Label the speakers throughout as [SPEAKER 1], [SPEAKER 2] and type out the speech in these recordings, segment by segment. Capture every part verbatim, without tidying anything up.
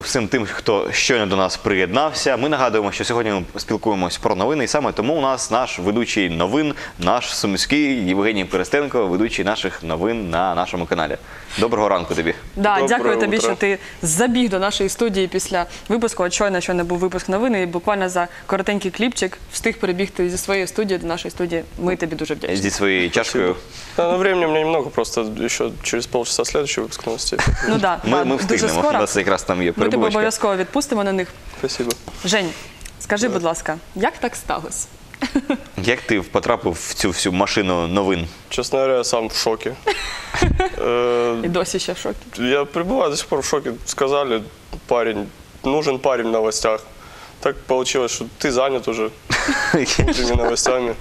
[SPEAKER 1] всім тим, хто щойно до нас приєднався. Ми нагадуємо, що сьогодні ми спілкуємось про новини, і саме тому у нас наш ведучий новин, наш сумський Євгеній Перестенко, ведучий наших новин на нашому каналі. Доброго ранку тобі.
[SPEAKER 2] Да, дякую
[SPEAKER 3] Доброе
[SPEAKER 2] тобі,
[SPEAKER 3] утро.
[SPEAKER 2] що ти забіг до нашої студії після випуску. От щойно, щойно був випуск новини, і буквально за коротенький кліпчик встиг перебігти зі своєї студії до нашої студії. Ми тобі дуже вдячні.
[SPEAKER 1] Зі своєю чашкою.
[SPEAKER 3] Да, но времени у меня немного, просто еще через полчаса следующий выпуск новостей.
[SPEAKER 2] Ну да,
[SPEAKER 1] Ми,
[SPEAKER 2] да,
[SPEAKER 1] ми
[SPEAKER 2] дуже
[SPEAKER 1] встигнемо, у
[SPEAKER 2] скоро.
[SPEAKER 1] нас якраз там є
[SPEAKER 2] Ми тебе
[SPEAKER 1] перебувачка.
[SPEAKER 2] обов'язково відпустимо на них.
[SPEAKER 3] Спасибо.
[SPEAKER 2] Жень, скажи, будь ласка, як так сталося?
[SPEAKER 1] Як ти потрапив в цю всю машину новин?
[SPEAKER 3] Честно говоря, я сам в шоке. Э,
[SPEAKER 2] І досі ще в шокі.
[SPEAKER 3] Я пребываю до сих пор в шоке. Сказали, парень, нужен парень в новостях. Так получилось, что ты занят уже этими новостями.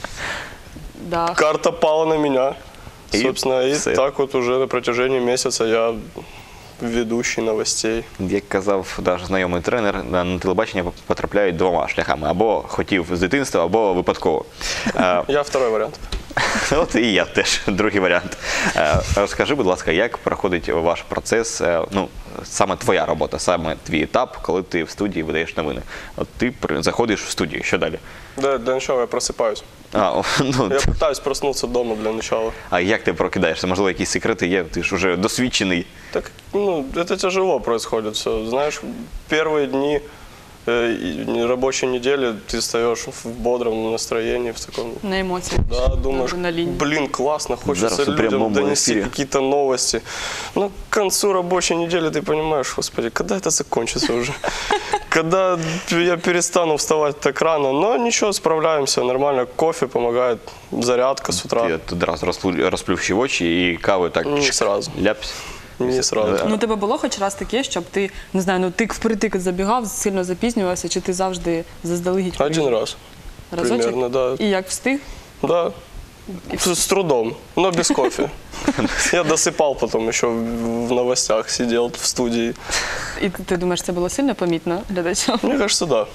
[SPEAKER 2] Да.
[SPEAKER 3] Карта пала на меня.
[SPEAKER 1] И
[SPEAKER 3] Собственно, и
[SPEAKER 1] все.
[SPEAKER 3] так вот уже на протяжении месяца я ведущий новостей.
[SPEAKER 1] Як казав наш знайомий тренер, на телебачення потрапляють двома шляхами. Або хотів з дитинства, або випадково. Е,
[SPEAKER 3] Я второй вариант.
[SPEAKER 1] От і я теж, другий варіант. Е, Розкажи, будь ласка, як проходить ваш процес, е, ну, саме твоя робота, саме твій етап, коли ти в студії видаєш новини? От ти при- заходиш в студію, що далі?
[SPEAKER 3] Да, для начала я просыпаюсь.
[SPEAKER 1] А, о, ну,
[SPEAKER 3] Я пытаюсь проснуться дома для начала.
[SPEAKER 1] а як ти прокидаєшся? Можливо, якісь секрети є? Ти ж уже досвідчений.
[SPEAKER 3] Так, ну, это тяжело происходит все. Знаешь, первые дни э, и рабочей недели ты встаешь в бодром настроении, в таком...
[SPEAKER 2] На емоції.
[SPEAKER 3] Да, думаешь,
[SPEAKER 2] на лінії.
[SPEAKER 3] блин, классно, хочется
[SPEAKER 1] Зараз у прямому
[SPEAKER 3] людям донести
[SPEAKER 1] эфире.
[SPEAKER 3] какие-то новости. Но к концу рабочей недели ты понимаешь, господи, когда это закончится уже? Когда я перестану вставать так рано? Но ничего, справляемся нормально. Кофе помогает, зарядка с утра.
[SPEAKER 1] Ти от одразу розплю- розплющив очі і каву так
[SPEAKER 3] Не
[SPEAKER 1] чик,
[SPEAKER 3] сразу.
[SPEAKER 1] ляпсь.
[SPEAKER 3] Не сразу.
[SPEAKER 2] Ну, у тебе було хоч раз таке, щоб ти, не знаю, ну тик впритик забігав, сильно запізнювався, чи ти завжди заздалегідь?
[SPEAKER 3] Один раз.
[SPEAKER 2] Разочек?
[SPEAKER 3] примерно, да.
[SPEAKER 2] І як встиг?
[SPEAKER 3] Да. С, с трудом, но без кофе. Я досыпал потом еще в в новостях, сидел в студии.
[SPEAKER 2] І ти, ти думаєш, це було сильно помітно глядачам?
[SPEAKER 3] Мне кажется, да.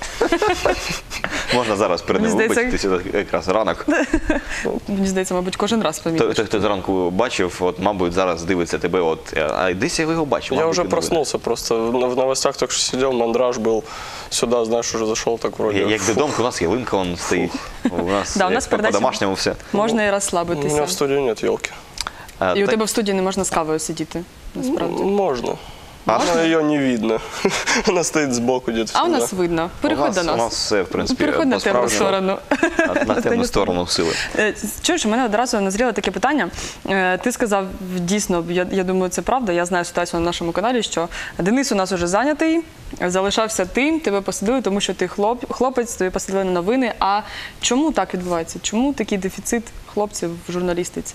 [SPEAKER 1] Можна зараз перед ним
[SPEAKER 2] Мені здається-
[SPEAKER 1] вибачитися, якраз ранок.
[SPEAKER 2] Мені здається, мабуть, кожен раз помітно.
[SPEAKER 1] Той, той, хто зранку бачив, от, мабуть, зараз дивиться тебе, от, а десь я його бачив.
[SPEAKER 3] Я
[SPEAKER 1] мабуть,
[SPEAKER 3] уже
[SPEAKER 1] він
[SPEAKER 3] проснулся просто. В в новостях только что сидел, мандраж был. Сюда, знаешь, уже зашел так вроде.
[SPEAKER 1] новий. Як
[SPEAKER 3] фух.
[SPEAKER 1] додому, у нас ялинка вон стоїть. У нас,
[SPEAKER 2] Да, у нас
[SPEAKER 1] як
[SPEAKER 2] передача-
[SPEAKER 1] по-домашньому все.
[SPEAKER 2] Можна і
[SPEAKER 3] У меня
[SPEAKER 2] розслабитися.
[SPEAKER 3] в студии нет елки.
[SPEAKER 1] А,
[SPEAKER 2] І у
[SPEAKER 1] та-
[SPEAKER 2] тебе в студії не можна з кавою сидіти, насправді.
[SPEAKER 3] Можно. Но ее не видно. Она стоит сбоку где-то.
[SPEAKER 2] А у
[SPEAKER 3] всегда.
[SPEAKER 2] нас видно.
[SPEAKER 1] у
[SPEAKER 2] Переходь
[SPEAKER 1] нас,
[SPEAKER 2] до
[SPEAKER 1] у
[SPEAKER 2] нас.
[SPEAKER 1] нас все, в принципі,
[SPEAKER 2] Переходь на темну
[SPEAKER 1] по-справжньому.
[SPEAKER 2] сторону.
[SPEAKER 1] На, на темну сторону сили.
[SPEAKER 2] Е, Чуєш, у мене одразу назріло таке питання. Е, Ти сказав, дійсно, я, я думаю, це правда, я знаю ситуацію на нашому каналі, що Денис у нас уже зайнятий, залишався ти, тебе посадили, тому що ти хлоп, хлопець, тобі посадили на новини. А чому так відбувається? Чому такий дефіцит хлопців в журналістиці?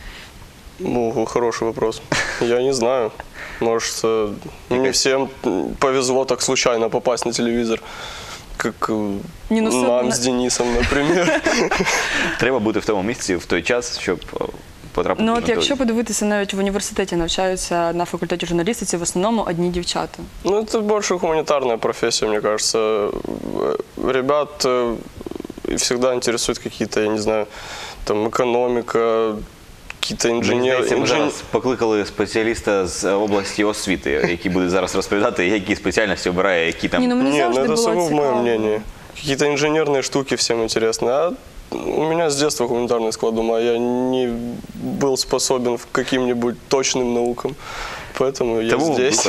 [SPEAKER 3] Ну, хороший вопрос. Я не знаю. Может, э, не всем повезло так случайно попасть на телевизор, как э,
[SPEAKER 2] Не, ну, всё
[SPEAKER 3] нам
[SPEAKER 2] равно-
[SPEAKER 3] с Денисом, например.
[SPEAKER 1] Треба бути в тому місці в той час, щоб о, потрапити
[SPEAKER 2] Ну
[SPEAKER 1] на
[SPEAKER 2] от
[SPEAKER 1] той.
[SPEAKER 2] якщо подивитися, навіть в університеті навчаються на факультеті журналістиці в основному одні дівчата.
[SPEAKER 3] Ну, это больше гуманитарная профессия, мне кажется. Э, Ребят э, всегда интересуют какие-то, я не знаю, там, экономика, какие-то
[SPEAKER 1] Мені
[SPEAKER 3] инженеры.
[SPEAKER 1] здається, ми
[SPEAKER 3] инжен-
[SPEAKER 1] зараз покликали спеціаліста з області освіти, який буде зараз розповідати, які спеціальності обирає, які там.
[SPEAKER 2] Ні, ну мені
[SPEAKER 3] Не, ну
[SPEAKER 2] завжди
[SPEAKER 3] это
[SPEAKER 2] було
[SPEAKER 3] сугубо мое
[SPEAKER 2] цікаво.
[SPEAKER 3] мнение. Какие-то инженерные штуки всем интересны. А у меня с детства гуманитарный склад ума. Я не был способен к каким-нибудь точным наукам. Поэтому я
[SPEAKER 1] Тому
[SPEAKER 3] здесь.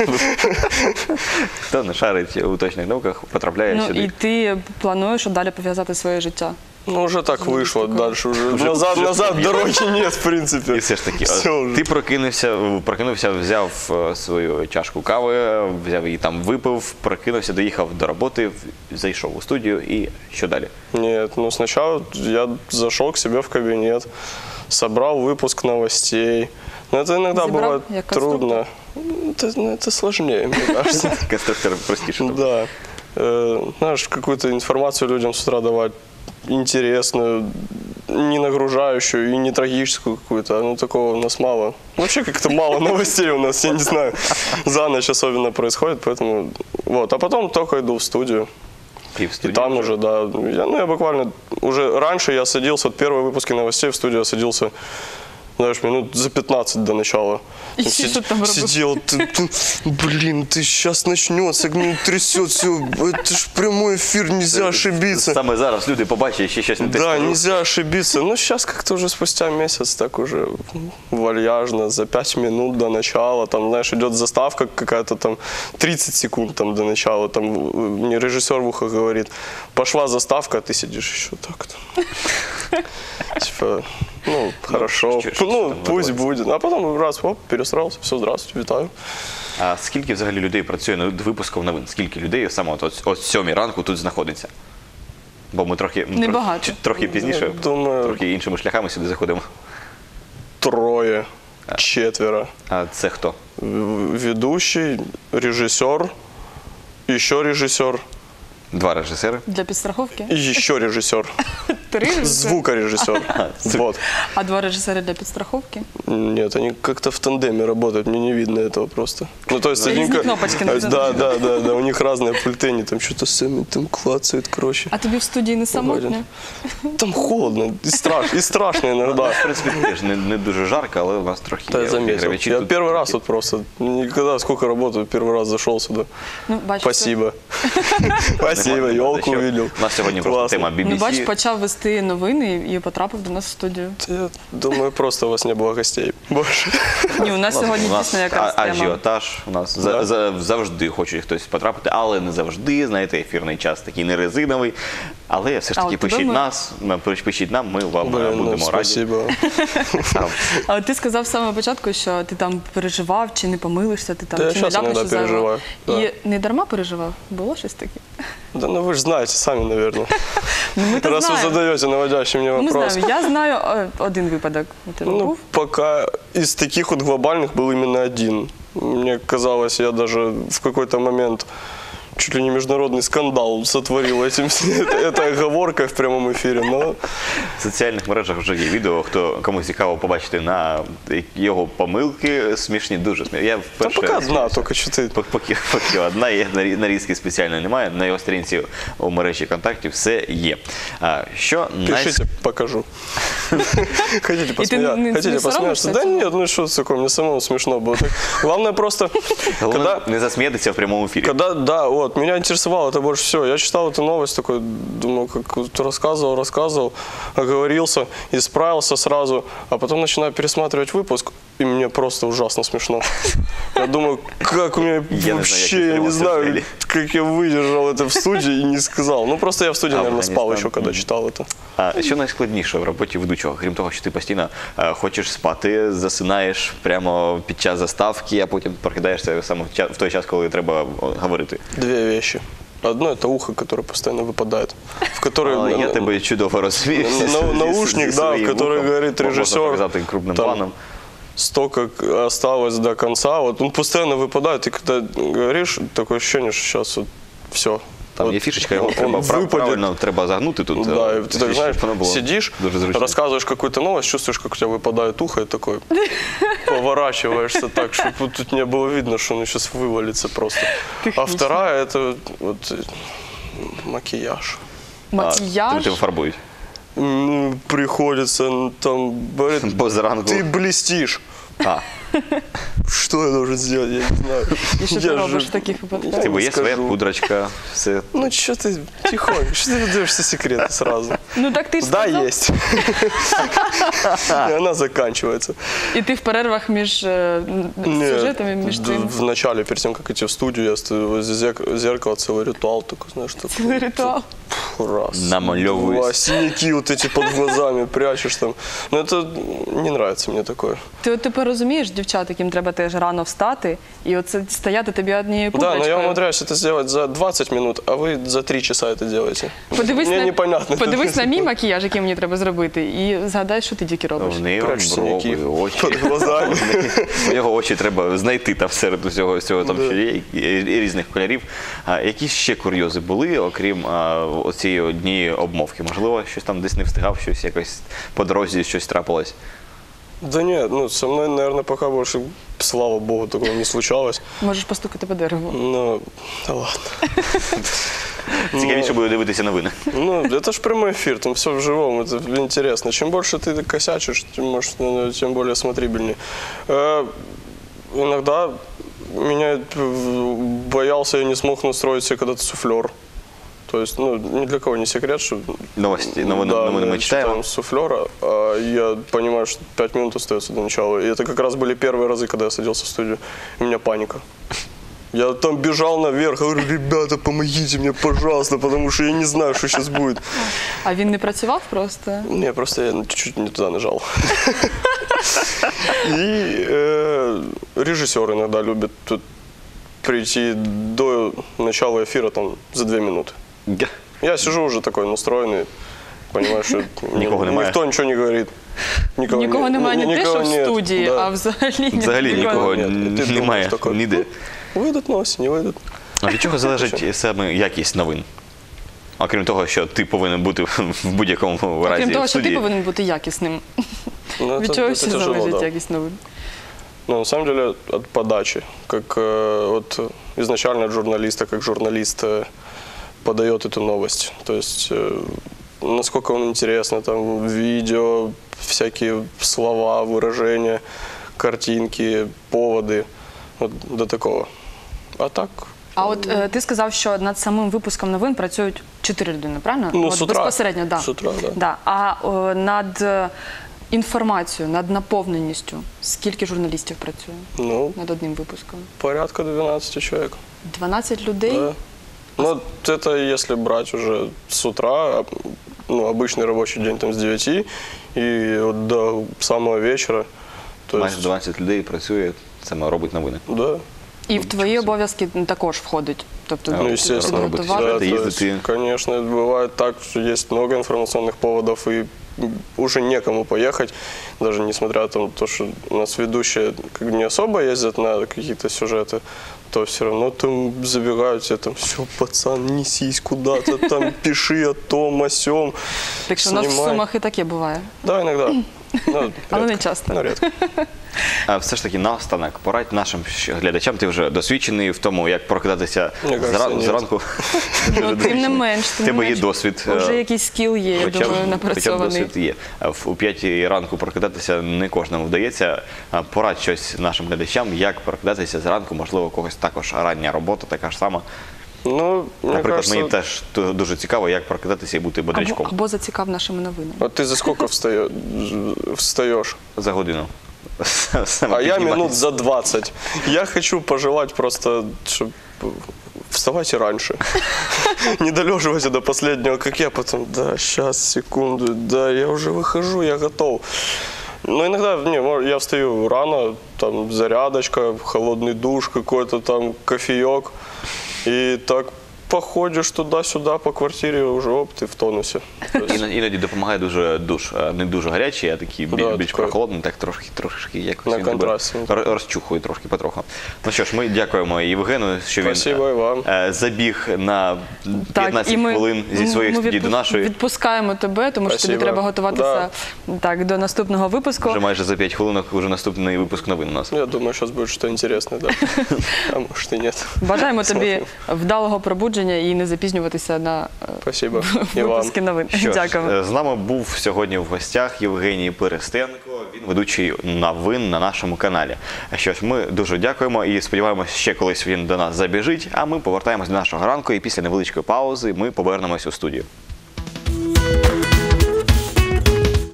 [SPEAKER 1] хто не шарить у точних науках, потрапляє
[SPEAKER 2] Ну і
[SPEAKER 1] сюди.
[SPEAKER 2] ти плануєш далі пов'язати своє життя?
[SPEAKER 3] Ну, уже так вышло.
[SPEAKER 2] такое.
[SPEAKER 3] Дальше уже,
[SPEAKER 1] Уже-
[SPEAKER 3] назад,
[SPEAKER 1] уже
[SPEAKER 3] назад
[SPEAKER 1] нет.
[SPEAKER 3] дороги нет, в принципе.
[SPEAKER 1] І все ж таки,
[SPEAKER 3] Все
[SPEAKER 1] от
[SPEAKER 3] уже.
[SPEAKER 1] ти прокинувся, прокинувся, взяв е, свою чашку кави, взяв її там, випив, прокинувся, доїхав до роботи, в- зайшов у студію і що далі?
[SPEAKER 3] Нет, ну сначала я зашел к себе в кабинет, собрал выпуск новостей. Но это иногда
[SPEAKER 2] Забрал,
[SPEAKER 3] бывает
[SPEAKER 2] я конструктор.
[SPEAKER 3] трудно. Ну, Это, ну, это сложнее, мне кажется.
[SPEAKER 1] Конструктор простіше. тобто.
[SPEAKER 3] Да. Э, Знаешь, какую-то информацию людям с утра давать интересную, не нагружающую и не трагическую какую-то. Ну, такого у нас мало. Вообще как-то мало новостей у нас, я не знаю. За ночь особенно происходит, поэтому... Вот. А потом только иду в студию.
[SPEAKER 1] І в
[SPEAKER 3] И
[SPEAKER 1] студії
[SPEAKER 3] там
[SPEAKER 1] вже.
[SPEAKER 3] уже, да. Я, ну, я буквально... Уже раньше я садился, вот первые выпуски новостей в студию я садился знаешь, минут за пятнадцать до начала.
[SPEAKER 2] И
[SPEAKER 3] Там
[SPEAKER 2] что
[SPEAKER 3] сид-
[SPEAKER 2] там робил?
[SPEAKER 3] Сидел, ты, ты, блин, ты сейчас начнется, ну, трясет все, это ж прямой эфир, нельзя ошибиться.
[SPEAKER 1] Саме зараз люди побачать ще щось не те.
[SPEAKER 3] Да,
[SPEAKER 1] скажу.
[SPEAKER 3] нельзя ошибиться. Ну, сейчас как-то уже спустя месяц так уже вальяжно, за пять минут до начала, там, знаешь, идет заставка какая-то там, тридцать секунд там до начала, там, мне режиссер в ухо говорит, пошла заставка, а ты сидишь еще так там. Типа, ну, хорошо,
[SPEAKER 1] что- что
[SPEAKER 3] ну,
[SPEAKER 1] там
[SPEAKER 3] пусть
[SPEAKER 1] готовится?
[SPEAKER 3] будет. А потом раз, оп, пересрался, все, здравствуйте, вітаю.
[SPEAKER 1] А скільки взагалі людей працює над випуском новин? Скільки людей саме от, от, от сьомій ранку тут знаходиться? Бо ми трохи, ми
[SPEAKER 2] Небагато.
[SPEAKER 1] трохи, трохи пізніше,
[SPEAKER 3] Я думаю-
[SPEAKER 1] трохи іншими шляхами сюди заходимо.
[SPEAKER 3] Трое, четверо.
[SPEAKER 1] А це хто?
[SPEAKER 3] В- Ведущий, режиссер, еще режиссер
[SPEAKER 1] Два режисери.
[SPEAKER 2] Для підстраховки?
[SPEAKER 3] и еще режиссер.
[SPEAKER 2] Три режисери?
[SPEAKER 3] Звукорежиссер. Вот.
[SPEAKER 2] А два режисери для підстраховки?
[SPEAKER 3] Нет, они как-то в тандеме работают, мне не видно этого просто. Ну, то есть
[SPEAKER 2] Разные
[SPEAKER 3] один ка-
[SPEAKER 2] кнопочки на
[SPEAKER 3] Да, да, да, да, у них разные пульты, они там что-то сами там клацают, короче.
[SPEAKER 2] А тобі в студії не самотньо?
[SPEAKER 3] Там холодно и, страш, и страшно иногда.
[SPEAKER 1] В принципі, теж не, не дуже жарко, але у нас трохи
[SPEAKER 3] Да, я
[SPEAKER 1] є
[SPEAKER 3] заметил.
[SPEAKER 1] обігрівачі
[SPEAKER 3] Я
[SPEAKER 1] тут.
[SPEAKER 3] первый раз вот просто, никогда сколько работаю, первый раз зашел сюда.
[SPEAKER 2] Ну, бачиш,
[SPEAKER 3] Спасибо. Спасибо, елку увидел.
[SPEAKER 1] У нас сьогодні просто
[SPEAKER 3] Классно.
[SPEAKER 1] тема
[SPEAKER 2] Ну,
[SPEAKER 1] бі бі
[SPEAKER 2] бачиш,
[SPEAKER 1] сі.
[SPEAKER 2] почав вести новини і потрапив до нас в студію.
[SPEAKER 3] Я думаю, просто у вас не было гостей больше.
[SPEAKER 2] Ні, у нас сьогодні
[SPEAKER 1] у нас
[SPEAKER 2] дійсно якраз
[SPEAKER 1] а-
[SPEAKER 2] тема.
[SPEAKER 1] ажіотаж, у нас за,
[SPEAKER 3] Да.
[SPEAKER 1] за, завжди хоче хтось потрапити, але не завжди, знаєте, ефірний час такий не резиновий. Але все ж
[SPEAKER 2] А
[SPEAKER 1] таки
[SPEAKER 2] от тебе
[SPEAKER 1] пишіть
[SPEAKER 2] ми-
[SPEAKER 1] нас, м, пишіть нам, ми вам е,
[SPEAKER 3] Блин, ну,
[SPEAKER 1] будемо раді.
[SPEAKER 3] спасибо.
[SPEAKER 1] Там.
[SPEAKER 2] А ти сказав з самого початку, що ти там переживав, чи не помилишся, ти там
[SPEAKER 3] Та я
[SPEAKER 2] чи не
[SPEAKER 3] щас
[SPEAKER 2] ляпнеш
[SPEAKER 3] іноді
[SPEAKER 2] щось зайвого.
[SPEAKER 3] переживаю,
[SPEAKER 2] І не дарма переживав? Було щось таке?
[SPEAKER 3] Да ну вы же знаете сами, наверное.
[SPEAKER 2] Ну, ми то
[SPEAKER 3] Раз вы
[SPEAKER 2] знаємо.
[SPEAKER 3] задаете наводящий мне
[SPEAKER 2] Ну, ми
[SPEAKER 3] вопрос.
[SPEAKER 2] знаємо. Я знаю е, один випадок. У тебе
[SPEAKER 3] Ну,
[SPEAKER 2] був?
[SPEAKER 3] пока из таких вот глобальных был именно один. Мне казалось, я даже в какой-то момент чуть ли не международный скандал сотворил этим, это- этой оговоркой в прямом эфире. Но
[SPEAKER 1] В соціальних мережах вже є відео, хто кому цікаво побачити на його помилки смішні, дуже смішні. Я
[SPEAKER 3] да
[SPEAKER 1] вперше
[SPEAKER 3] пока одна,
[SPEAKER 1] сміявся.
[SPEAKER 3] только что ты.
[SPEAKER 1] Пок- Поки, поки одна є, нарі- нарізки спеціальної немає. На його сторінці у мережі контактів все є. А, що най-
[SPEAKER 3] Пишите, покажу. Хотите
[SPEAKER 2] не-
[SPEAKER 3] посмеяться?
[SPEAKER 2] не
[SPEAKER 3] Хотите посмеяться?
[SPEAKER 2] соромишься
[SPEAKER 3] Да
[SPEAKER 2] этого?
[SPEAKER 3] нет, ну что такое, мне самому смешно было. Так, главное просто,
[SPEAKER 1] Головне
[SPEAKER 3] когда...
[SPEAKER 1] не засміятися в прямому ефірі.
[SPEAKER 3] Когда, да, вот, меня интересовало это больше всего. Я читал эту новость, такой, думаю, как вот рассказывал, рассказывал, оговорился, исправился сразу, а потом начинаю пересматривать выпуск, и мне просто ужасно смешно. Я думаю, как у меня
[SPEAKER 1] Я не знаю,
[SPEAKER 3] вообще,
[SPEAKER 1] як
[SPEAKER 3] я
[SPEAKER 1] ты
[SPEAKER 3] не
[SPEAKER 1] это
[SPEAKER 3] знаю,
[SPEAKER 1] смотрели.
[SPEAKER 3] как я выдержал это в студии и не сказал. Ну, просто я в студии,
[SPEAKER 1] А,
[SPEAKER 3] наверное, спал
[SPEAKER 1] Афганистан.
[SPEAKER 3] еще, когда читал это.
[SPEAKER 1] А що найскладніше в роботі ведучого? Крім того, що ти постійно е, хочеш спати, засинаєш прямо під час заставки, а потім прокидаєшся саме в ча- в той час, коли треба о, говорити.
[SPEAKER 3] Две вещи. Одно – это ухо, которое постоянно выпадает, в которое...
[SPEAKER 1] А, я тебе чудово розумію.
[SPEAKER 3] на-
[SPEAKER 1] зі-
[SPEAKER 3] на-
[SPEAKER 1] зі-
[SPEAKER 3] наушник,
[SPEAKER 1] зі
[SPEAKER 3] да,
[SPEAKER 1] своїм
[SPEAKER 3] который
[SPEAKER 1] вухом.
[SPEAKER 3] говорит
[SPEAKER 1] Можна
[SPEAKER 3] режисер,
[SPEAKER 1] показати крупним
[SPEAKER 3] там,
[SPEAKER 1] планом.
[SPEAKER 3] столько к- осталось до конца, вот он постоянно выпадает, и когда говоришь, такое ощущение, что сейчас вот все.
[SPEAKER 1] Там є фішечка, його треба прав- правильно треба загнути тут.
[SPEAKER 3] Да,
[SPEAKER 1] е,
[SPEAKER 3] и ты так, знаешь,
[SPEAKER 1] щоб воно було
[SPEAKER 3] сидишь,
[SPEAKER 1] дуже зручно.
[SPEAKER 3] рассказываешь какую-то новость, чувствуешь, как у тебя выпадает ухо, и такой поворачиваешься так, чтобы вот тут не было видно, что он сейчас вывалится просто. А
[SPEAKER 2] Технично.
[SPEAKER 3] вторая – это вот э, макияж.
[SPEAKER 1] А,
[SPEAKER 2] Макіяж.
[SPEAKER 1] тебе фарбують.
[SPEAKER 3] М, Приходится м, там, говорит,
[SPEAKER 1] Бо зранку.
[SPEAKER 3] ты блестишь.
[SPEAKER 1] А,
[SPEAKER 3] Что я должен сделать, я не знаю.
[SPEAKER 2] І що ти
[SPEAKER 3] Я
[SPEAKER 2] робиш
[SPEAKER 3] же-
[SPEAKER 2] в таких випадках?
[SPEAKER 3] Я
[SPEAKER 1] тебе
[SPEAKER 3] не
[SPEAKER 1] є своя
[SPEAKER 3] скажу.
[SPEAKER 1] пудрочка, все.
[SPEAKER 3] Ну что ты тихонько, что ты выдаешь все секреты сразу?
[SPEAKER 2] Ну так ти ж
[SPEAKER 3] Да,
[SPEAKER 2] сказав.
[SPEAKER 3] есть. И она заканчивается.
[SPEAKER 2] І ти в перервах між е,
[SPEAKER 3] Нет,
[SPEAKER 2] сюжетами, між
[SPEAKER 3] д-
[SPEAKER 2] цим.
[SPEAKER 3] в начале, перед тем, как идти в студию, я стою возле зерк- зеркала, целый ритуал такой, знаешь, такой.
[SPEAKER 2] Цілий ритуал.
[SPEAKER 3] Раз.
[SPEAKER 1] Намалевываюсь.
[SPEAKER 3] Два, синяки вот эти под глазами прячешь там. Но это не нравится мне такое.
[SPEAKER 2] Ти от тепер розумієш, дівчат, яким треба теж рано встати, і оце стояти тобі однією
[SPEAKER 3] Да, но
[SPEAKER 2] пудрочкою.
[SPEAKER 3] я умудряюсь это сделать за двадцать минут, а вы за три часа это делаете.
[SPEAKER 2] Подивись,
[SPEAKER 3] Мне
[SPEAKER 2] на,
[SPEAKER 3] непонятно.
[SPEAKER 2] подивись на мій макіяж, який мені треба зробити, і згадай, що ти тільки робиш.
[SPEAKER 1] В неї
[SPEAKER 3] Прячь синяки
[SPEAKER 1] брови, очі.
[SPEAKER 3] под глазами.
[SPEAKER 1] У нього очі треба знайти там серед усього всього там, що є, і- і різних кольорів. А які ще курйози були, окрім а, оцієї однієї обмовки? Можливо, щось там десь не встигав, щось якось по дорозі щось трапилось?
[SPEAKER 3] Да нет, ну со мной, наверное, пока больше, слава богу, такого не случалось.
[SPEAKER 2] Можеш постукати по дереву.
[SPEAKER 3] Ну, да ладно.
[SPEAKER 1] Цікавіше буде дивитися новини.
[SPEAKER 3] Ну, это ж прямой эфир, там все в живом, это интересно. Чем больше ты косячишь, тем, может, ну, тем более смотрибельнее. Э, иногда меня э, боялся, я не смог настроить себе когда-то суфлер. То есть, ну, ни для кого не секрет, что...
[SPEAKER 1] Новости, новини,
[SPEAKER 3] да,
[SPEAKER 1] новини ми
[SPEAKER 3] мы
[SPEAKER 1] читаємо.
[SPEAKER 3] читаем суфлера, а я понимаю, что пять минут остается до начала. И это как раз были первые разы, когда я садился в студию. У меня паника. Я там бежал наверх, говорю, ребята, помогите мне, пожалуйста, потому что я не знаю, что сейчас будет.
[SPEAKER 2] А він не працював просто?
[SPEAKER 3] Не, просто я чуть-чуть не туда нажал. И э, режиссер иногда любит тут прийти до начала эфира там за две минуты. Я сижу уже такой настроенный, понимаю, что
[SPEAKER 1] Никого
[SPEAKER 3] ни-
[SPEAKER 1] немає.
[SPEAKER 3] никто ничего не говорит. Никого,
[SPEAKER 2] Нікого
[SPEAKER 3] не-
[SPEAKER 2] немає не те,
[SPEAKER 3] никого
[SPEAKER 2] що в
[SPEAKER 3] нет,
[SPEAKER 2] студії,
[SPEAKER 3] да.
[SPEAKER 2] а взагалі, ні-
[SPEAKER 1] Взагалі нікого
[SPEAKER 3] Ні, ти
[SPEAKER 1] немає
[SPEAKER 3] думаєш таке.
[SPEAKER 1] ніде.
[SPEAKER 3] Выйдут новости, не выйдут.
[SPEAKER 1] А від чого залежить саме якість новин? Окрім того, що ти повинен бути в будь-якому разі
[SPEAKER 2] Крім того,
[SPEAKER 1] в
[SPEAKER 2] що ти
[SPEAKER 1] студії.
[SPEAKER 2] повинен бути якісним.
[SPEAKER 3] Ну,
[SPEAKER 2] Від
[SPEAKER 3] это-
[SPEAKER 2] чого
[SPEAKER 3] это
[SPEAKER 2] ще
[SPEAKER 3] тяжело,
[SPEAKER 2] залежить
[SPEAKER 3] да.
[SPEAKER 2] якість новин?
[SPEAKER 3] Ну, на самом деле, от подачи. Как э, вот изначально от журналиста, как журналист э, подает эту новость. То есть, э, насколько он интересно, там, видео, всякие слова, выражения, картинки, поводы. Вот до такого. А так,
[SPEAKER 2] А от е, ти сказав, що над самим випуском новин працюють чотири людини, правильно?
[SPEAKER 3] ну,
[SPEAKER 2] от,
[SPEAKER 3] с утра.
[SPEAKER 2] Безпосередньо, да.
[SPEAKER 3] С утра, да.
[SPEAKER 2] Да. А о, над е, інформацією, над наповненістю, скільки журналістів працює
[SPEAKER 3] Ну,
[SPEAKER 2] над одним випуском?
[SPEAKER 3] порядка двенадцати человек.
[SPEAKER 2] дванадцять людей?
[SPEAKER 3] Да. Ну, вот это если брать уже с утра, а, ну, обычный рабочий день там с девяти и вот до самого вечера. То
[SPEAKER 1] Майже
[SPEAKER 3] есть,
[SPEAKER 1] дванадцять людей працює, саме робить новини.
[SPEAKER 3] да.
[SPEAKER 2] І в твої обов'язки також входить? Тобто
[SPEAKER 1] Ну,
[SPEAKER 3] Ну,
[SPEAKER 2] ти
[SPEAKER 3] естественно.
[SPEAKER 2] підготувати?
[SPEAKER 1] Да,
[SPEAKER 3] то
[SPEAKER 1] ездить
[SPEAKER 3] есть,
[SPEAKER 1] и-
[SPEAKER 3] конечно, бывает так, что есть много информационных поводов, и уже некому поехать, даже несмотря на то, что у нас ведущие как бы не особо ездят на какие-то сюжеты, то все равно там забегают тебе там, все, пацан, несись куда-то, там пиши о том, о сём,
[SPEAKER 2] Так що у нас в
[SPEAKER 3] снимай.
[SPEAKER 2] Сумах і таке буває.
[SPEAKER 3] Да, иногда. Ну,
[SPEAKER 2] Але не
[SPEAKER 3] редко.
[SPEAKER 2] часто.
[SPEAKER 3] Ну, редко.
[SPEAKER 1] А все ж таки, наостанок, порадь нашим ще глядачам, ти вже досвідчений в тому, як прокидатися
[SPEAKER 3] Мені кажеться,
[SPEAKER 1] зра-
[SPEAKER 3] ні.
[SPEAKER 1] зранку.
[SPEAKER 2] Ну, тим не менш,
[SPEAKER 1] В
[SPEAKER 2] тим не
[SPEAKER 1] тебе є
[SPEAKER 2] менш.
[SPEAKER 1] досвід.
[SPEAKER 2] Вже
[SPEAKER 1] е,
[SPEAKER 2] якийсь скіл є, я
[SPEAKER 1] Хоча б,
[SPEAKER 2] думаю,
[SPEAKER 1] хоча б
[SPEAKER 2] напрацьований.
[SPEAKER 1] досвід є. А в- У п'ятій ранку прокидатися не кожному вдається. А порадь щось нашим глядачам, як прокидатися зранку, можливо, у когось також рання робота, така ж сама.
[SPEAKER 3] Ну, мне
[SPEAKER 1] Наприклад,
[SPEAKER 3] кажется,
[SPEAKER 1] мені теж ту- дуже цікаво, як прокидатися і бути
[SPEAKER 2] Або,
[SPEAKER 1] бодрячком
[SPEAKER 2] або зацікав нашими новинами.
[SPEAKER 3] вот ты за сколько встаё- встаешь?
[SPEAKER 1] за годину. Саме
[SPEAKER 3] А я
[SPEAKER 1] підніматись.
[SPEAKER 3] минут за двадцать. Я хочу пожелать просто, чтобы вставайте раньше. Не долеживайте до последнего, как я потом, да, сейчас, секунду, да, я уже выхожу, я готов. Но иногда, не, мо- я встаю рано, там зарядочка, холодный душ какой-то, там кофеек. И так походишь туда-сюда по квартире, уже оп, ты в тонусе. То есть,
[SPEAKER 1] Іно- Іноді допомагає дуже душ, а не дуже гарячий, а такий біль-
[SPEAKER 3] Да,
[SPEAKER 1] більш
[SPEAKER 3] такий.
[SPEAKER 1] прохолодний, так трошки, трошки якось
[SPEAKER 3] На
[SPEAKER 1] він тебе
[SPEAKER 3] контрасті.
[SPEAKER 1] р- розчухує трошки потроху. Ну що ж, ми дякуємо Євгену, що він
[SPEAKER 3] Спасибо і вам.
[SPEAKER 1] е, забіг на п'ятнадцять хвилин зі своєї
[SPEAKER 2] ми
[SPEAKER 1] студії до
[SPEAKER 2] відпу-
[SPEAKER 1] нашої.
[SPEAKER 2] Відпускаємо тебе, тому що тобі
[SPEAKER 3] Спасибо.
[SPEAKER 2] треба готуватися так, до наступного випуску.
[SPEAKER 1] Вже майже за п'ять хвилин вже наступний випуск новин у нас.
[SPEAKER 3] я думаю, сейчас будет что-то интересное, да. А может и нет.
[SPEAKER 2] Бажаємо тобі
[SPEAKER 3] Смотрим.
[SPEAKER 2] вдалого пробудження і не запізнюватися на е,
[SPEAKER 3] Спасибо. И вам.
[SPEAKER 2] випуски новин.
[SPEAKER 1] Що ж,
[SPEAKER 2] Дякуємо.
[SPEAKER 1] е, з нами був сьогодні в гостях Євгеній Перестенко, він ведучий новин на нашому каналі. Що ж, ми дуже дякуємо і сподіваємося, ще колись він до нас забіжить, а ми повертаємось до нашого ранку і після невеличкої паузи ми повернемось у студію.